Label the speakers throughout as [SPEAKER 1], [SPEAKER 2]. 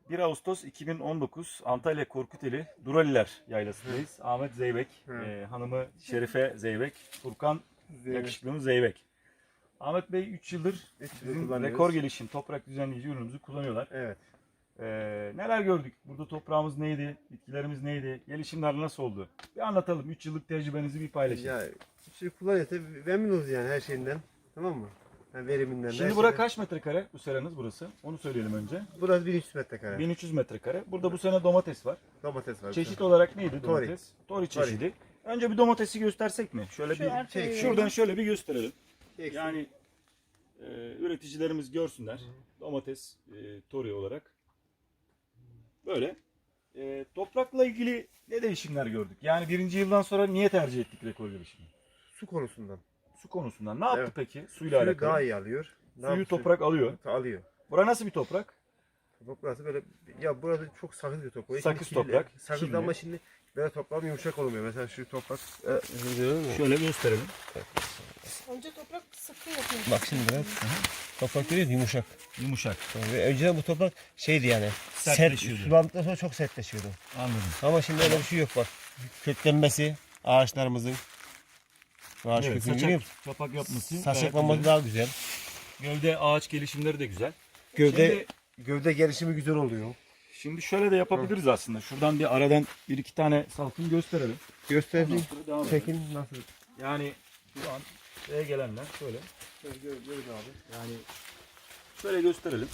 [SPEAKER 1] 1 Ağustos 2019 Antalya Korkuteli Duraliler Yaylası'ndayız. Ahmet Zeybek, hanımı Şerife Zeybek, Furkan yakışıklımız Zeybek. Ahmet Bey 3 yıldır bizim rekor gelişim toprak düzenleyici ürünümüzü kullanıyorlar.
[SPEAKER 2] Evet.
[SPEAKER 1] Neler gördük? Burada toprağımız neydi? Bitkilerimiz neydi? Gelişimler nasıl oldu? Bir anlatalım. 3 yıllık tecrübenizi bir paylaşın.
[SPEAKER 2] Ya şey kullanıyor tabii memnunuz yani her şeyinden. Tamam mı? Yani veriminden.
[SPEAKER 1] Şimdi burası kaç metrekare bu seranız burası? Onu söyleyelim önce.
[SPEAKER 2] Burası 1300 metrekare.
[SPEAKER 1] 1300 metrekare. Burada bu sene domates var.
[SPEAKER 2] Domates var.
[SPEAKER 1] Çeşit olarak neydi
[SPEAKER 2] Tori.
[SPEAKER 1] domates? Tori çeşidi. Önce bir domatesi göstersek mi? Şöyle bir şuradan şöyle bir gösterelim. Yani üreticilerimiz görsünler. Domates Tori olarak. Böyle. Toprakla ilgili ne değişimler gördük? Yani birinci yıldan sonra niye tercih ettik rekor gelişimi?
[SPEAKER 2] Su konusundan.
[SPEAKER 1] Su konusundan. Ne yaptı
[SPEAKER 2] Evet.
[SPEAKER 1] peki? Suyla
[SPEAKER 2] Suyu
[SPEAKER 1] alakalı.
[SPEAKER 2] daha iyi alıyor.
[SPEAKER 1] Suyu toprak alıyor.
[SPEAKER 2] Alıyor.
[SPEAKER 1] Bura nasıl bir toprak?
[SPEAKER 2] Burası böyle ya burada çok sakız bir toprak.
[SPEAKER 1] Sakız
[SPEAKER 2] Şimdi
[SPEAKER 1] toprak,
[SPEAKER 2] Sakız
[SPEAKER 1] kirli.
[SPEAKER 2] ama şimdi böyle toprağım yumuşak olmuyor. Mesela şu toprak
[SPEAKER 1] Şöyle gösterelim.
[SPEAKER 3] Önce toprak sıkı yapıyor.
[SPEAKER 4] Bak şimdi biraz toprak görüyoruz yumuşak.
[SPEAKER 1] Yumuşak.
[SPEAKER 4] Ve önceden bu toprak şeydi yani
[SPEAKER 1] Sertleşiyordu.
[SPEAKER 4] sulandıktan sonra çok sertleşiyordu.
[SPEAKER 1] Anladım.
[SPEAKER 4] Ama şimdi öyle bir şey yok bak. Köklenmesi ağaçlarımızın ağaç
[SPEAKER 1] Evet,
[SPEAKER 4] kökünü görüyor musun?
[SPEAKER 1] kapak yapması.
[SPEAKER 4] Saçaklanması
[SPEAKER 1] gayet
[SPEAKER 4] daha güzel.
[SPEAKER 1] güzel. Gövde ağaç gelişimleri de güzel.
[SPEAKER 2] gövde gelişimi güzel oluyor.
[SPEAKER 1] Şimdi şöyle de yapabiliriz aslında. Şuradan bir aradan bir iki tane salkım gösterelim.
[SPEAKER 2] Göstereyim.
[SPEAKER 1] Ondan sonra devam edelim.
[SPEAKER 2] Çekin nasıl?
[SPEAKER 1] Yani şu an şuraya gelenler şöyle.
[SPEAKER 2] Böyle abi.
[SPEAKER 1] Yani şöyle gösterelim.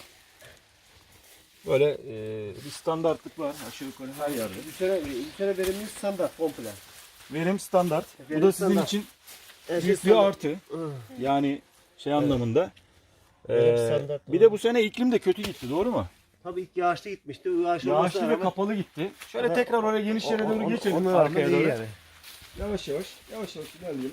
[SPEAKER 1] Böyle bir standartlık var aşağı yukarı her yerde.
[SPEAKER 2] Bir sene verimimiz standart komple.
[SPEAKER 1] Verim standart. Bu
[SPEAKER 2] Verim
[SPEAKER 1] da sizin
[SPEAKER 2] standart.
[SPEAKER 1] için
[SPEAKER 2] Her şey
[SPEAKER 1] büyük bir
[SPEAKER 2] standart.
[SPEAKER 1] artı. Yani şey anlamında.
[SPEAKER 4] Verim standart.
[SPEAKER 1] Bir de bu sene iklim de kötü gitti, doğru mu?
[SPEAKER 2] Tabii ilk yağışlı gitmişti. Yağışlı,
[SPEAKER 1] Yağışlı ve kapalı gitti. Şöyle tekrar oraya geniş yere doğru geçelim.
[SPEAKER 2] Onlar
[SPEAKER 1] Arkaya
[SPEAKER 2] iyi
[SPEAKER 1] doğru.
[SPEAKER 2] yani.
[SPEAKER 1] Yavaş yavaş ilerleyelim.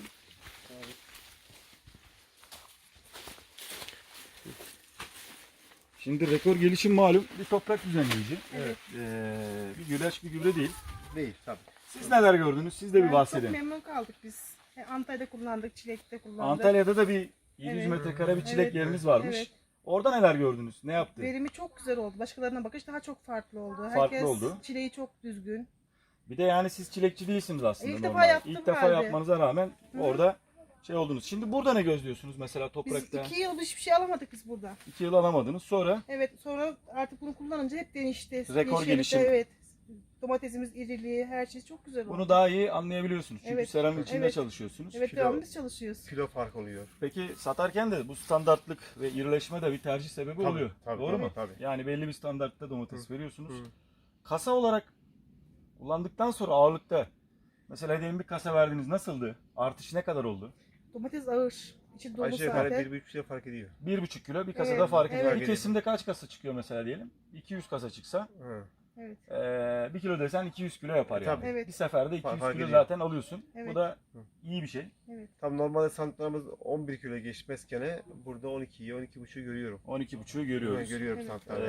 [SPEAKER 1] Şimdi rekor gelişim malum bir toprak düzenleyici.
[SPEAKER 3] Evet.
[SPEAKER 1] Bir güleç bir gübre değil.
[SPEAKER 2] Değil tabii.
[SPEAKER 1] Siz neler gördünüz? Siz de bir
[SPEAKER 3] Yani
[SPEAKER 1] bahsedin.
[SPEAKER 3] Çok memnun kaldık biz. Antalya'da kullandık, Çilek'te kullandık.
[SPEAKER 1] Antalya'da da bir 700
[SPEAKER 3] Evet.
[SPEAKER 1] metrekare bir çilek
[SPEAKER 3] Evet.
[SPEAKER 1] yeriniz varmış.
[SPEAKER 3] Evet.
[SPEAKER 1] Orada neler gördünüz? Ne yaptı?
[SPEAKER 3] Verimi çok güzel oldu. Başkalarına bakış daha çok farklı oldu.
[SPEAKER 1] Farklı
[SPEAKER 3] Herkes
[SPEAKER 1] oldu.
[SPEAKER 3] çileği çok düzgün.
[SPEAKER 1] Bir de yani siz çilekçi değilsiniz aslında.
[SPEAKER 3] İlk defa
[SPEAKER 1] normalde.
[SPEAKER 3] yaptım
[SPEAKER 1] İlk defa
[SPEAKER 3] halde.
[SPEAKER 1] yapmanıza rağmen orada şey oldunuz. Şimdi burada ne gözlüyorsunuz mesela
[SPEAKER 3] Biz
[SPEAKER 1] toprakta?
[SPEAKER 3] 2 yıl hiçbir şey alamadık biz burada.
[SPEAKER 1] 2 yıl alamadınız. Sonra
[SPEAKER 3] Evet, sonra artık bunu kullanınca hep değişti.
[SPEAKER 1] Rekor
[SPEAKER 3] Yeşerdi,
[SPEAKER 1] gelişim.
[SPEAKER 3] Evet. Domatesimiz iriliği, her şey çok güzel oldu.
[SPEAKER 1] bunu daha iyi anlayabiliyorsunuz. Çünkü
[SPEAKER 3] Evet.
[SPEAKER 1] seranın içinde
[SPEAKER 3] Evet.
[SPEAKER 1] çalışıyorsunuz.
[SPEAKER 3] Evet,
[SPEAKER 2] Kilo-
[SPEAKER 3] devamlı biz çalışıyoruz.
[SPEAKER 2] Kilo fark oluyor.
[SPEAKER 1] Peki satarken de bu standartlık ve irileşme de bir tercih sebebi
[SPEAKER 2] Tabii,
[SPEAKER 1] oluyor.
[SPEAKER 2] tabii,
[SPEAKER 1] Doğru
[SPEAKER 2] tabii,
[SPEAKER 1] mu?
[SPEAKER 2] tabii.
[SPEAKER 1] Yani belli bir standartta domates veriyorsunuz.
[SPEAKER 2] Hı.
[SPEAKER 1] Kasa olarak kullandıktan sonra ağırlıkta mesela diyelim bir kasa verdiniz, nasıldı? Artış ne kadar oldu?
[SPEAKER 3] Domates ağır. İçi dolu
[SPEAKER 2] Aşağı yukarı
[SPEAKER 3] zaten.
[SPEAKER 2] 1,5 kilo fark ediyor.
[SPEAKER 1] 1,5 kilo bir kasada
[SPEAKER 3] Evet,
[SPEAKER 1] fark ediyor.
[SPEAKER 3] evet.
[SPEAKER 1] Bir kesimde kaç kasa çıkıyor mesela diyelim? 200 kasa çıksa
[SPEAKER 2] Hı.
[SPEAKER 3] Evet.
[SPEAKER 1] 1 kilo desen 200 kilo yapar yani.
[SPEAKER 2] Tabii.
[SPEAKER 3] Evet.
[SPEAKER 1] Bir seferde 200
[SPEAKER 2] Fark
[SPEAKER 1] kilo
[SPEAKER 2] ediyor.
[SPEAKER 1] zaten alıyorsun. Bu
[SPEAKER 3] Evet.
[SPEAKER 1] da iyi bir şey.
[SPEAKER 3] Evet.
[SPEAKER 2] Tam normalde santrlarımız 11 kilo geçmezken burada 12'yi 12,5'u görüyorum.
[SPEAKER 1] 12,5'u görüyoruz.
[SPEAKER 2] Görüyorum
[SPEAKER 3] Evet.
[SPEAKER 2] santrlarda.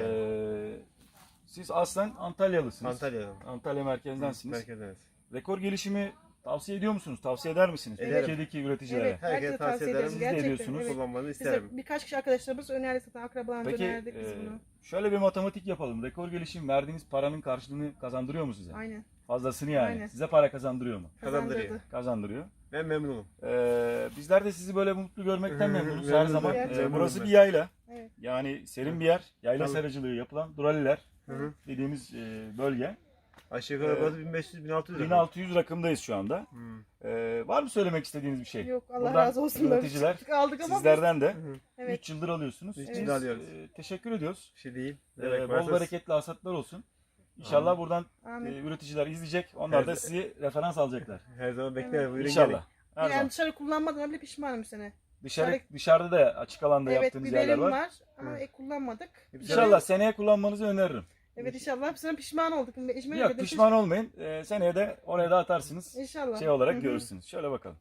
[SPEAKER 1] Siz aslen Antalyalısınız.
[SPEAKER 2] Antalya'dan.
[SPEAKER 1] Antalya merkezdensiniz.
[SPEAKER 2] Merkezdeniz.
[SPEAKER 1] Rekor gelişimi tavsiye ediyor musunuz? Tavsiye eder misiniz?
[SPEAKER 3] Evet.
[SPEAKER 1] Türkiye'deki üreticilere.
[SPEAKER 3] Evet.
[SPEAKER 2] Herkese
[SPEAKER 3] Herkese
[SPEAKER 2] tavsiye ederim.
[SPEAKER 1] Siz de
[SPEAKER 3] Gerçekten,
[SPEAKER 1] ediyorsunuz.
[SPEAKER 3] evet.
[SPEAKER 2] Kullanmanızı
[SPEAKER 3] Biz de
[SPEAKER 2] isterim.
[SPEAKER 3] birkaç kişi arkadaşlarımız önerdi zaten, akrabalarımız
[SPEAKER 1] Peki
[SPEAKER 3] önerdik biz bunu.
[SPEAKER 1] şöyle bir matematik yapalım. Rekor gelişim verdiğiniz paranın karşılığını kazandırıyor mu size?
[SPEAKER 3] Aynen.
[SPEAKER 1] Fazlasını yani.
[SPEAKER 3] Aynen.
[SPEAKER 1] Size para kazandırıyor mu?
[SPEAKER 2] Kazandırıyor.
[SPEAKER 3] Kazandırdı.
[SPEAKER 1] Kazandırıyor.
[SPEAKER 2] Ben memnunum.
[SPEAKER 1] Bizler de sizi böyle mutlu görmekten memnunuz her
[SPEAKER 2] Memnunum
[SPEAKER 1] zaman.
[SPEAKER 3] ben.
[SPEAKER 2] Memnunum
[SPEAKER 1] Burası
[SPEAKER 2] ben.
[SPEAKER 1] bir yayla.
[SPEAKER 3] Evet.
[SPEAKER 1] Yani serin bir yer. Yayla
[SPEAKER 2] Tabii.
[SPEAKER 1] seracılığı yapılan Duraliler
[SPEAKER 2] Hı hı.
[SPEAKER 1] dediğimiz bölge.
[SPEAKER 2] Aşağı yukarı burası 1500-1600 lira.
[SPEAKER 1] 1600 rakımdayız şu anda.
[SPEAKER 2] Hı.
[SPEAKER 1] Var mı söylemek istediğiniz bir şey?
[SPEAKER 3] Yok, Allah
[SPEAKER 1] Buradan
[SPEAKER 3] razı olsun. Böyle
[SPEAKER 1] üreticiler,
[SPEAKER 3] çıktık, aldık ama
[SPEAKER 1] Sizlerden de
[SPEAKER 3] Evet.
[SPEAKER 1] 3 yıldır alıyorsunuz.
[SPEAKER 2] Üç
[SPEAKER 1] Biz,
[SPEAKER 2] yıldır alıyoruz.
[SPEAKER 1] teşekkür ediyoruz.
[SPEAKER 2] Bir şey değil.
[SPEAKER 1] Bol bereketli hasatlar olsun. İnşallah buradan
[SPEAKER 3] Amin.
[SPEAKER 1] üreticiler izleyecek. Onlar da
[SPEAKER 2] Evet.
[SPEAKER 1] sizi referans alacaklar.
[SPEAKER 2] Her zaman beklerim. Buyurun
[SPEAKER 1] İnşallah. Her
[SPEAKER 3] Yani
[SPEAKER 1] zaman.
[SPEAKER 3] dışarı kullanmadan bile pişmanım bu sene.
[SPEAKER 1] Dışarıda da açık alanda
[SPEAKER 3] Evet,
[SPEAKER 1] yaptığınız
[SPEAKER 3] biberim
[SPEAKER 1] yerler var.
[SPEAKER 3] var ama kullanmadık.
[SPEAKER 1] İnşallah seneye kullanmanızı öneririm.
[SPEAKER 3] Evet, inşallah bu sene pişman olduk. Eşime
[SPEAKER 1] Yok
[SPEAKER 3] dedim,
[SPEAKER 1] pişman olmayın. Seneye de oraya da atarsınız.
[SPEAKER 3] İnşallah.
[SPEAKER 1] Şey olarak görürsünüz. Şöyle bakalım.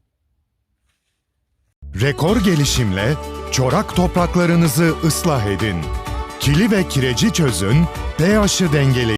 [SPEAKER 5] Rekor gelişimle çorak topraklarınızı ıslah edin. Kili ve kireci çözün, pH'ı dengeleyin.